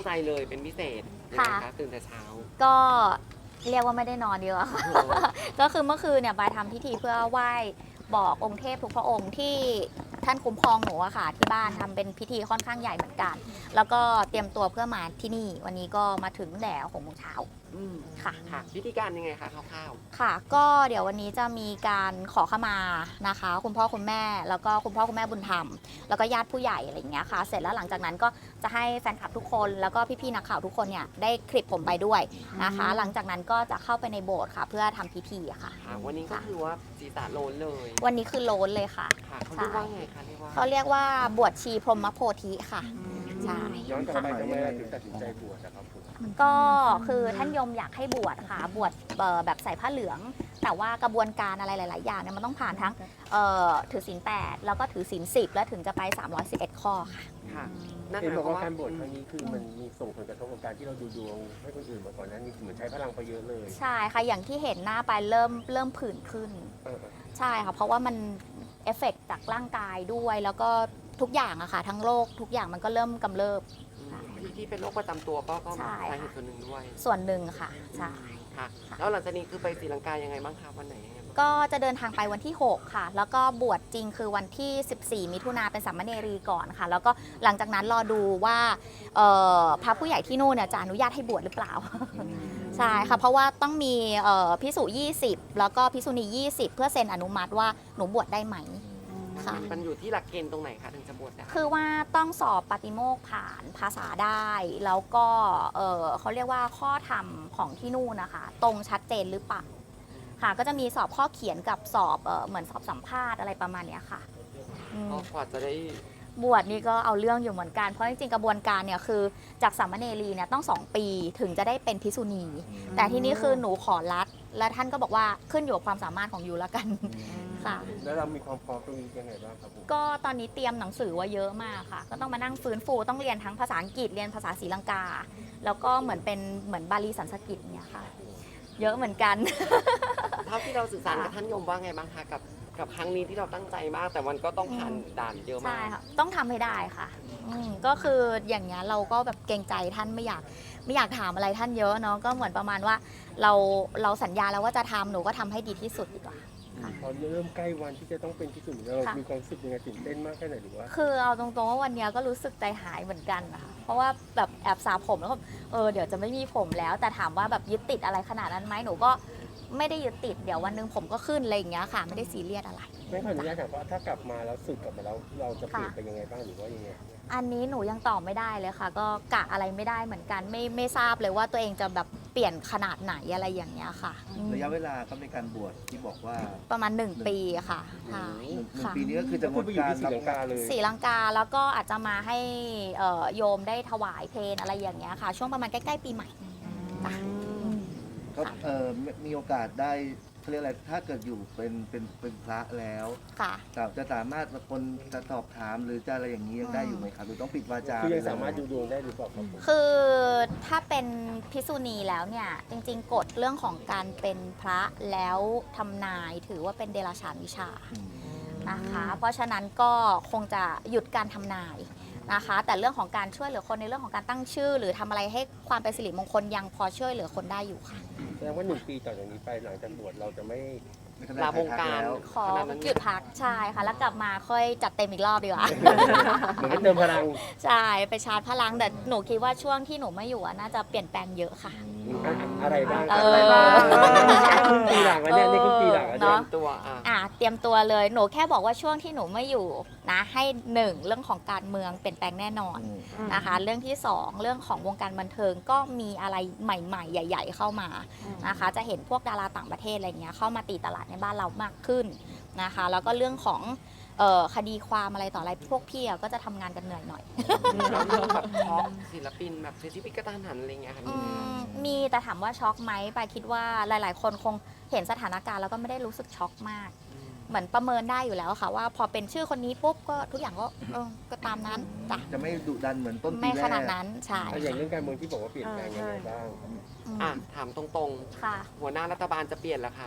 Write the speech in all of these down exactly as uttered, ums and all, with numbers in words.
ใจเลยเป็นพิเศษค่ะนะคะตื่นแต่เช้าก็เรียกว่าไม่ได้นอนดีกว่า ก็คือเมื่อคืนเนี่ยบายทำพิธีเพื่อไหว้บอกองค์เทพทุกพระองค์ที่ท่านคุ้มครองหนูอะค่ะที่บ้านทำเป็นพิธีค่อนข้างใหญ่เหมือนกัน แล้วก็เตรียมตัวเพื่อมาที่นี่วันนี้ก็มาถึงแต่หกโมงเช้าอืมค่ะค่ะพิธีการยังไงคะคร่าวค่ะก็เดี๋ยววันนี้จะมีการขอขมานะคะ คุณพ่อคุณแม่แล้วก็คุณพ่อคุณแม่บุญธรรมแล้วก็ญาติผู้ใหญ่อะไรอย่างเงี้ยค่ะเสร็จแล้วหลังจากนั้นก็จะให้แฟนคลับทุกคนแล้วก็พี่ๆนักข่าวทุกคนเนี่ยได้คลิปผมไปด้วยนะคะ หลังจากนั้นก็จะเข้าไปในโบสถ์ค่ะเพื่อทำพิธีอะค่ะๆค่ะวันนี้ก็คือว่าศีรษะโลนเลยวันนี้คือโล้นเลยค่ะค่ะเขาเรียกว่าไงคะเรียกว่าเขาเรียกว่าบวชชีพรหมโพธิค่ะใช่ย้อนกลับไปทำไมเราถึงตัดสินใจบวชนะครับผมก็คือท่านยมอยากให้บวชค่ะบวชเอ่อแบบใส่ผ้าเหลือง แต่ว่ากระบวนการอะไรหลาย ๆ อย่างเนี่ยมันต้องผ่านทั้งเอ่อถือศีลแปดแล้วก็ถือศีลสิบแล้วถึงจะไปสามร้อยสิบเอ็ดข้อค่ะค่ะนั่นเห็นหมายบอกความว่าว่าการบวชครั้งนี้คือมันมีส่งผลกระทบกับการที่เราดูดวงให้คนอื่นมาก่อนหนั้นนี่เหมือนใช้พลังไปเยอะเลยใช่ค่ะอย่างที่เห็นหน้าไปเริ่มเริ่มผื่นขึ้นเออใช่ค่ะเพราะว่ามันเอฟเฟกต์จากร่างกายด้วย แล้วก็ทุกอย่างอะค่ะทั้งโรคทุกอย่างมันก็เริ่มกำเริบที่ที่เป็นโรคประจำตัวก็ก็ใช่สาเหตุส่วนหนึ่งด้วยส่วนหนึ่งค่ะใช่ค่ะ แล้วหลังจากนี้คือไปศรีลังกายังไงบ้างคะวันไหนยังไงบ้างก็จะเดินทางไปวันที่หกค่ะ แล้วก็บวชจริงคือวันที่สิบสี่มิถุนาเป็นสามเณรีก่อนค่ะ แล้วก็หลังจากนั้นรอดูว่าเอ่อพระผู้ใหญ่ที่นู่นเนี่ยจะอนุญาตให้บวชหรือเปล่า ใช่ค่ะ เพราะว่าต้องมีเอ่อพิสุยี่สิบแล้วก็พิสุณียี่สิบเพื่อเซ็นอนุมัติว่าหนูบวชได้ไหม ค่ะมันอยู่ที่หลักเกณฑ์ตรงไหนคะถึงจะบวชได้คือว่าต้องสอบปฏิโมกข์ผ่านภาษาได้ แล้วก็เอ่อเขาเรียกว่าข้อธรรมของที่นู่นนะคะ ตรงชัดเจนหรือเปล่าค่ะ ก็จะมีสอบข้อเขียนกับสอบเอ่อเหมือนสอบสัมภาษณ์อะไรประมาณเนี้ยค่ะอืมก็กว่าจะได้บวชนี่ก็เอาเรื่องอยู่เหมือนกัน เพราะจริงๆกระบวนการเนี่ยคือจากสามเณรีเนี่ยต้องสองปีถึงจะได้เป็นภิกษุณี แต่ที่นี่คือหนูขอรัด และท่านก็บอกว่าขึ้นอยู่กับความสามารถของยูแล้วกันค่ะแล้วเรามีความพร้อมตรงนี้ยังไงบ้างครับผมก็ตอนนี้เตรียมหนังสือไว่าเยอะมากค่ะ ก็ต้องมานั่งฟื้นฟูต้องเรียนทั้งภาษาอังกฤษเรียนภาษาศรีลังกา แล้วก็เหมือนเป็นเหมือนบาลีสันสกฤตเนี่ยค่ะ เยอะเหมือนกันเท่าที่เราสื่อสารกับท่านยมว่าไงบ้างคะกับกับครั้งนี้ที่เราตั้งใจมาก แต่มันก็ต้องผ่านด่านเยอะใช่มากค่ะต้องทำให้ได้ค่ะอืมก็คืออย่างเงี้ยเราก็แบบเกรงใจท่านไม่อยากไม่อยากถามอะไรท่านเยอะเนาะก็เหมือนประมาณว่าเราเราสัญญาแล้วว่าจะทำหนูก็ทำให้ดีที่สุดดีกว่า ค่ะพอเริ่มใกล้วันที่จะต้องเป็นที่สุดเราค่ะมีความรู้สึกยังไงตื่นเต้นมากแค่ไหนหรือว่าคือเอาตรงๆว่าวันเนี้ยก็รู้สึกใจหายเหมือนกันนะคะเพราะว่าแบบแอบสระผมแล้วก็เออเดี๋ยวจะไม่มีผมแล้ว แต่ถามว่าแบบยึดติดอะไรขนาดนั้นไหมหนูก็ไม่ได้ยึดติดเดี๋ยววันหนึงผมก็ขึ้นอะไรอย่างเงี้ยค่ะ ไม่ได้ซีเรียสอะไรไม่ขออนุญาตถามว่าถ้ากลับมาแล้วสึกกลับมาแล้วเราจะเปลี่ยนค่ะไปยังไงบ้างหรือว่ายังไงอันนี้หนูยังตอบไม่ได้เลยค่ะ ก็กะอะไรไม่ได้เหมือนกัน ไม่ไม่ทราบเลยว่าตัวเองจะแบบเปลี่ยนขนาดไหนอะไรอย่างเงี้ยค่ะอืมระยะเวลาก็ในการบวชที่บอกว่าประมาณหนึ่งปีค่ะค่ะหนึ่งหนึ่งค่ะปีนี้ก็คือจะงก็ดไปอยู่การที่ศรีลังกาเลยศรีลังกาแล้วก็อาจจะมาให้เอ่อโยมได้ถวายเพลงอะไรอย่างเงี้ยค่ะ ช่วงประมาณใกล้ๆปีใหม่จ้ะก็เออมีมีโอกาสได้เขาเรียกอะไรถ้าเกิดอยู่เป็นเป็นเป็นพระแล้วค่ะแต่จะสามารถคนจะสอบถามหรือจะอะไรอย่างนี้ยังได้อยู่ไหมครับหรือต้องปิดวาจาคือยังสามารถดูดวงได้หรือเปล่าครับผมคือถ้าเป็นภิกษุณีแล้วเนี่ยจริงๆกฎเรื่องของการเป็นพระแล้วทำนายถือว่าเป็นเดรัจฉานวิชาอืมนะคะ เพราะฉะนั้นก็คงจะหยุดการทำนายนะคะ แต่เรื่องของการช่วยเหลือคนในเรื่องของการตั้งชื่อ หรือทำอะไรให้ความเป็นสิริมงคลยังพอช่วยเหลือคนได้อยู่ค่ะแสดงว่าหนึ่งปีต่อจากนี้ไปหลังจากบวชเราจะไม่ไม่ต้องได้ลาวงการแล้วขอขนาดนั้นหยุดพักใช่ค่ะ แล้วกลับมาค่อยจัดเต็มอีกรอบดีกว่าเหมือนให้เติมพลังใช่ไปชาร์จพลังแต่หนูคิดว่าช่วงที่หนูไม่อยู่อะน่าจะเปลี่ยนแปลงเยอะค่ะอะไรบ้างเออะไรอบ้างครึ่งปีหลังแล้วเนี่ยนี่ครึ่งปีหลังแล้วเตรีเนี่ย ยมตัวอ่ะอ่ะเตรียมตัวเลยหนูแค่บอกว่าช่วงที่หนูไม่อยู่นะให้หนึ่งเรื่องของการเมืองเปลี่ยนแปลงแน่นอนอืมนะคะ เรื่องที่สองเรื่องของวงการบันเทิงก็มีอะไรใหม่ ๆ ใหญ่ ๆ เข้ามานะคะ จะเห็นพวกดาราต่างประเทศอะไรเงี้ยเข้ามาตีตลาดในบ้านเรามากขึ้นนะคะ แล้วก็เรื่องของเอ่อคดีความอะไรต่ออะไรพวกพี่อะก็จะทำงานกันเหนื่อยหน่อยแล้วเรื่องแบบช็อกศิลปินแบบเสียชีวิตกระทันหันอะไรเงี้ยค่ะอืมีไหมคะมมีแต่ถามว่าช็อกไหมปายคิดว่าหลาย ๆ คนคงเห็นสถานการณ์แล้วก็ไม่ได้รู้สึกช็อกมาก เหมือนประเมินได้อยู่แล้วค่ะว่าพอเป็นชื่อคนนี้ปุ๊บก็ทุกอย่างก็เออก็ตามนั้นจ้ะจะไม่ดุดันเหมือนต้นปีไม่แรขกนาดนั้นใช่แต่อย่างเรื่องการเมืองที่บอกว่าเปลี่ยนแปลงยังไงบ้างอืมอ่ะถามตรงค่ะๆ หัวหน้ารัฐบาลจะเปลี่ยนเหรอคะ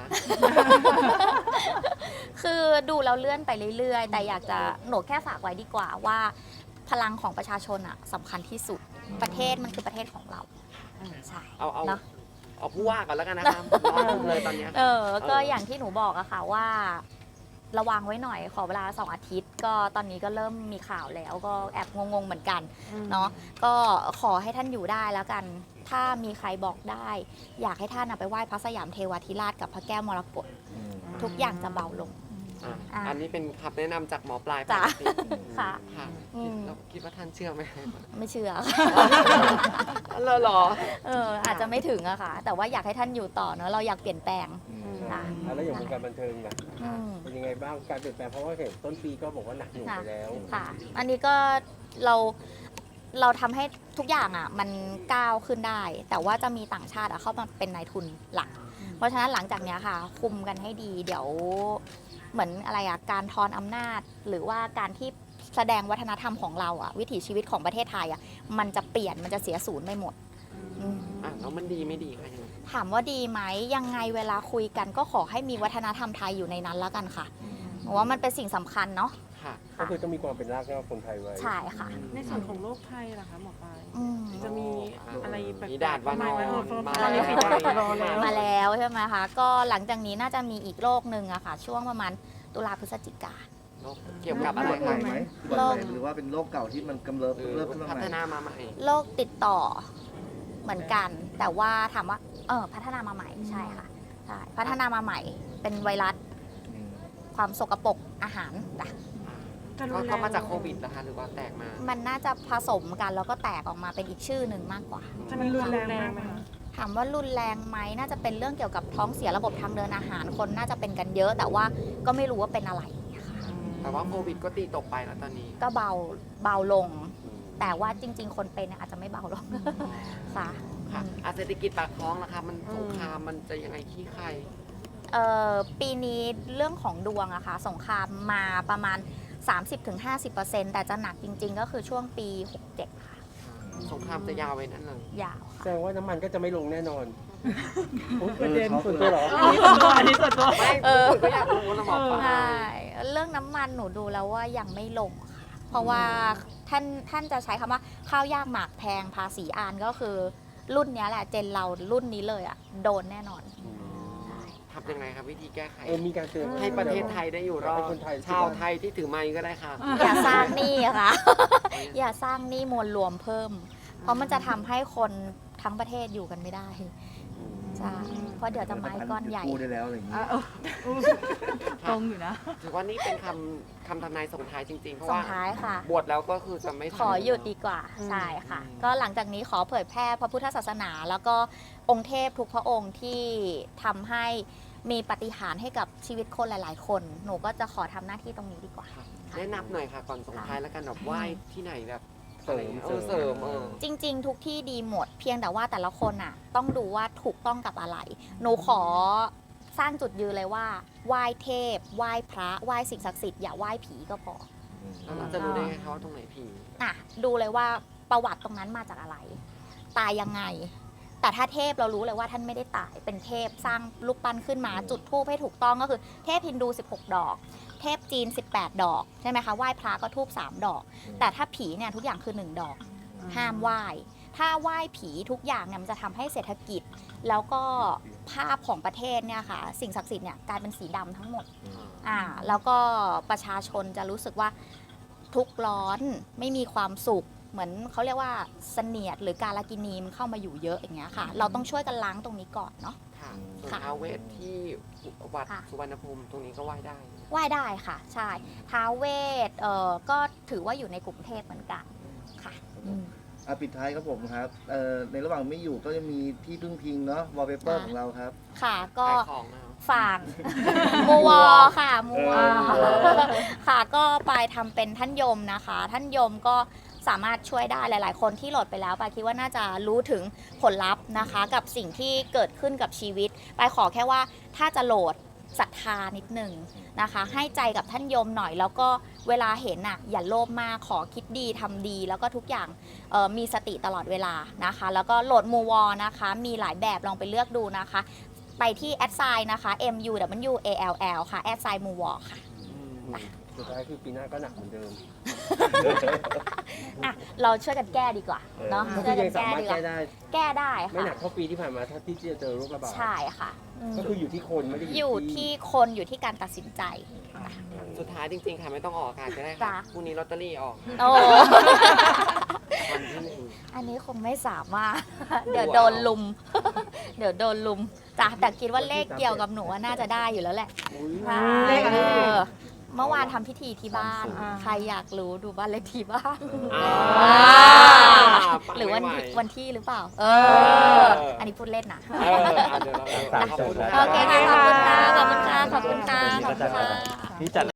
คือดูเราเลื่อนไปเรื่อย ๆ แต่อยากจะหนูแค่ฝากไว้ดีกว่าว่า พลังของประชาชนอะสำคัญที่สุดประเทศมันคือประเทศของเราใช่เอาเอาเนาะเอาผู้ว่าก่อนแล้วกันนะคะร้อนรุมเลยตอนเนี้ยเออ ก็อย่างที่หนูบอกอะค่ะว่า ระวังไว้หน่อยขอเวลาสองอาทิตย์ ก็ตอนนี้ก็เริ่มมีข่าวแล้วก็แอบงงๆเหมือนกันเนาะก็ขอให้ท่านอยู่ได้แล้วกัน ถ้ามีใครบอกได้ อยากให้ท่านเอาไปไหว้พระสยามเทวาธิราชกับพระแก้วมรกตอืมทุกอย่างจะเบาลงอ่ะอ่ะอันนี้เป็นคำแนะนำจากหมอปลายจ้ะปกติค่ะค่ะอืมแล้วคิดว่าท่านเชื่อไหมไม่เชื่อเหรอเหรอเอออาจจะไม่ถึงอะค่ะ แต่ว่าอยากให้ท่านอยู่ต่อเนอะเราอยากเปลี่ยนแปลงอืมค่ะอ่ะแล้วอย่างวงการบันเทิงล่ะอืมเป็นยังไงบ้างการเปลี่ยนแปลงเพราะว่าเห็นต้นปีก็บอกว่าหนักหน่วงไปแล้วค่ะ อันนี้ก็เราเราทำให้ทุกอย่างอ่ะมันก้าวขึ้นได้ แต่ว่าจะมีต่างชาติอะเข้ามาเป็นนายทุนหลัก เพราะฉะนั้นหลังจากเนี้ยค่ะ คุมกันให้ดี เดี๋ยวเหมือนอะไรอะการทอนอำนาจ หรือว่าการที่แสดงวัฒนธรรมของเราอะวิถีชีวิตของประเทศไทยอะมันจะเปลี่ยนมันจะเสียศูนย์ไปหมดอืมอ่ะแล้วมันดีไม่ดีคะยังไงถามว่าดีไหมยังไงเวลาคุยกันก็ขอให้มีวัฒนธรรมไทยอยู่ในนั้นแล้วกันค่ะเพราะว่ามันเป็นสิ่งสำคัญเนาะค่ะก็คือต้องมีความเป็นรากเหง้าคนไทยไว้ใช่ค่ะในส่วนของโรคภัยล่ะคะหมอปลายอืมจะมีอะไรแปลกๆมีด่านวานอนไหมมาตอนนี้แล้วปิดรอแล้วมาแล้วใช่ไหมคะก็หลังจากนี้น่าจะมีอีกโรคหนึ่งอะค่ะ ช่วงประมาณตุลาพฤศจิกาเกี่ยวกับอะไรอุบัติคะใหม่ไหมอุบัติใหม่หรือว่าเป็นโรคเก่าที่มันกำเริบหรือเริ่มขึ้นมาพัใหฒม่นามาใหม่โรคติดต่อเหมือนกัน แต่ว่าถามว่าเออพัฒนามาใหม่ใช่ค่ะใช่พัฒนามาใหม่เป็นไวรัสอืมความสกปรกอาหารจ้ะจะรุก็นแรงก็มาจากโควิดนะคะหรือว่าแตกมามันน่าจะผสมกันแล้วก็แตกออกมาเป็นอีกชื่อหนึ่งมากกว่าจะมันรุนแรงมากไหมคะถามว่ารุนแรงไหมน่าจะเป็นเรื่องเกี่ยวกับท้องเสียระบบทางเดินอาหารคนน่าจะเป็นกันเยอะ แต่ว่าก็ไม่รู้ว่าเป็นอะไรอย่างเงี้ยค่ะแต่ว่าโควิดก็ตีตกไปแล้วตอนนี้ก็เบาเบาลง แต่ว่าจริง ๆ คนเป็นเนี่ยอาจจะไม่เบาลง ค่ะค่ะอ่ะเศรษฐกิจปากท้องนะคะมันสงครามมันจะยังไงขี้ใครเอ่อปีนี้เรื่องของดวงอะค่ะสงครามมาประมาณ สามสิบถึงห้าสิบเปอร์เซ็นต์ แต่จะหนักจริง ๆ ก็คือช่วงปี หกเจ็ด ค่ะสงครามจะยาวไว้นั่นเลยยาวแสค่ะดงว่าน้ำมันก็จะไม่ลงแน่นอนประเด็นส่วนตัวเหรออันนี้ส่วนตัวอันนี้ส่วนตัวไม่คุณก็อยากรู้นะหมอปลาใช่เรื่องน้ำมันหนูดูแล้วว่ายังไม่ลงค่ะเพราะว่าท่านท่านจะใช้คำว่าข้าวยากหมากแพงภาษีอานก็คือรุ่นเนี้ยแหละเจนเรารุ่นนี้เลยอะโดนแน่นอนทำยังไงครับวิธีแก้ไขเออมีการเตือนให้ประเทศไทยได้อยู่รอดให้คนไทยชาวไทยที่ถือไม้ก็ได้ค่ะอย่าสร้างหนี้ค่ะ อย่าสร้างหนี้มวลรวมเพิ่ม เพราะมันจะทำให้คนทั้งประเทศอยู่กันไม่ได้ใช่เพราะเดี๋ยวจะไม้ก้อนใหญ่กู้ได้แล้วอะไรอย่างนี้อ่ะเออตรงอยู่นะถือว่านี่เป็นคำคำทำนายส่งท้ายจริงๆ เพราะส่งว่าท้ายค่ะบวชแล้วก็คือจะไม่ขอหยุดดีกว่าอืมใช่ค่ะอืมก็หลังจากนี้ขอเผยแพร่พระพุทธศาสนา แล้วก็องค์เทพทุกพระองค์ที่ทำให้มีปาฏิหารย์ให้กับชีวิตคนหลาย ๆ คน หนูก็จะขอทำหน้าที่ตรงนี้ดีกว่าค่ะแนะนำหน่อยค่ะก่อนส่งท้ายแล้วกันแบบไหว้ที่ไหนแบบเสริมเออเสริมเออจริง ๆ ทุกที่ดีหมด เพียงแต่ว่าแต่ละคนอ่ะ ต้องดูว่าถูกต้องกับอะไร หนูขอสร้างจุดยืนเลยว่าไหว้เทพไหว้พระไหว้สิ่งศักดิ์สิทธิ์อย่าไหว้ผีก็พอแล้วเราจะรู้ได้ไงคะว่าตรงไหนผีอ่ะดูเลยว่าประวัติตรงนั้นมาจากอะไร ตายยังไง แต่ถ้าเทพเรารู้เลยว่าท่านไม่ได้ตายเป็นเทพสร้างรูปปั้นขึ้นมาจุดธูปให้ถูกต้องก็คือเทพฮินดูสิบหกดอก เทพจีนสิบแปดดอกใช่ไหมคะไหว้พระก็ธูปสามดอก แต่ถ้าผีเนี่ยทุกอย่างคือหนึ่งดอก ห้ามไหว้ ถ้าไหว้ผีทุกอย่างเนี่ยมันจะทำให้เศรษฐกิจ แล้วก็ภาพของประเทศเนี่ยค่ะสิ่งศักดิ์สิทธิ์เนี่ยกลายเป็นสีดำทั้งหมด อ่าแล้วก็ประชาชนจะรู้สึกว่าทุกข์ร้อนไม่มีความสุข เหมือนเขาเรียกว่าเสนียดหรือการกินีมันเข้ามาอยู่เยอะอย่างเงี้ยค่ะ เราต้องช่วยกันล้างตรงนี้ก่อนเนาะค่ะส่วนค่ะท้าวเวทที่วัดค่ะสุวรรณภูมิตรงนี้ก็ไหว้ได้ไหว้ได้ค่ะ ใช่ท้าวเวทเอ่อก็ถือว่าอยู่ในกรุงเทพเหมือนกันค่ะอืมอ่ะปิดท้ายครับผมครับเอ่อในระหว่างไม่อยู่ก็จะมีที่พึ่งพิงเนาะวอลเปเปอร์อ่ะของเราครับค่ะก็ขายของนะครับฝากมูวอค่ะมูวอเออค่ะก็ไปทำเป็นท่านยมนะคะ ท่านยมก็สามารถช่วยได้หลาย ๆ คนที่โหลดไปแล้วปายคิดว่าน่าจะรู้ถึงผลลัพธ์นะคะ กับสิ่งที่เกิดขึ้นกับชีวิตปายขอแค่ว่าถ้าจะโหลดศรัทธานิดหนึ่งนะคะ ให้ใจกับท่านยมหน่อย แล้วก็เวลาเห็นอ่ะอย่าโลภมากขอคิดดีทำดี แล้วก็ทุกอย่างเอ่อมีสติตลอดเวลานะคะ แล้วก็โหลดมูวอนะคะ มีหลายแบบลองไปเลือกดูนะคะ ไปที่แอดไซน์นะคะ M U W A L L ค่ะแอดไซน์มูวอค่ะสุดท้ายคือปีหน้าก็หนักเหมือนเดิมอ่ะเราช่วยกันแก้ดีกว่าเนาะก็ช่คืวยอกัยันงแก้สามารถดีกว่าแก้ได้แก้ได้ไม่ค่ะหนักเท่าปีที่ผ่านมาถ้าที่จะเจอโรคระบาดใช่ค่ะอืมก็คืออยู่ที่คนไม่ได้ออยู่ที่คนอยู่ที่การตัดสินใจสุดท้ายจริงๆค่ะไม่ต้องออกอากาศก็ได้จ้ะค่ะพรุ่งนี้ลอตเตอรี่ออกโอ้วันที่หนึ่งอันนี้คงไม่สามารถ เดี๋ยวโดนลุม เดี๋ยวโดนลุมจ้ะแต่คิดว่าเลขเกี่ยวกับหนูว่าน่าจะได้อยู่แล้วแหละอุ๊ยเลขอะไรเออเมื่อวานทำพิธีที่บ้านอ่าใครอยากรู้ดูบ้านเลขที่บ้านอ่า ปังหรือวันไม่ที่ไหวันที่หรือเปล่า เอเออออันนี้พูดเล่นนะเอออ่ะเดี๋ยวเราขอบคุณโอเคค่ะ ขอบคุณค่ะ ขอบคุณค่ะ ขอบคุณค่ะ ขอบคุณค่ะนี่จัด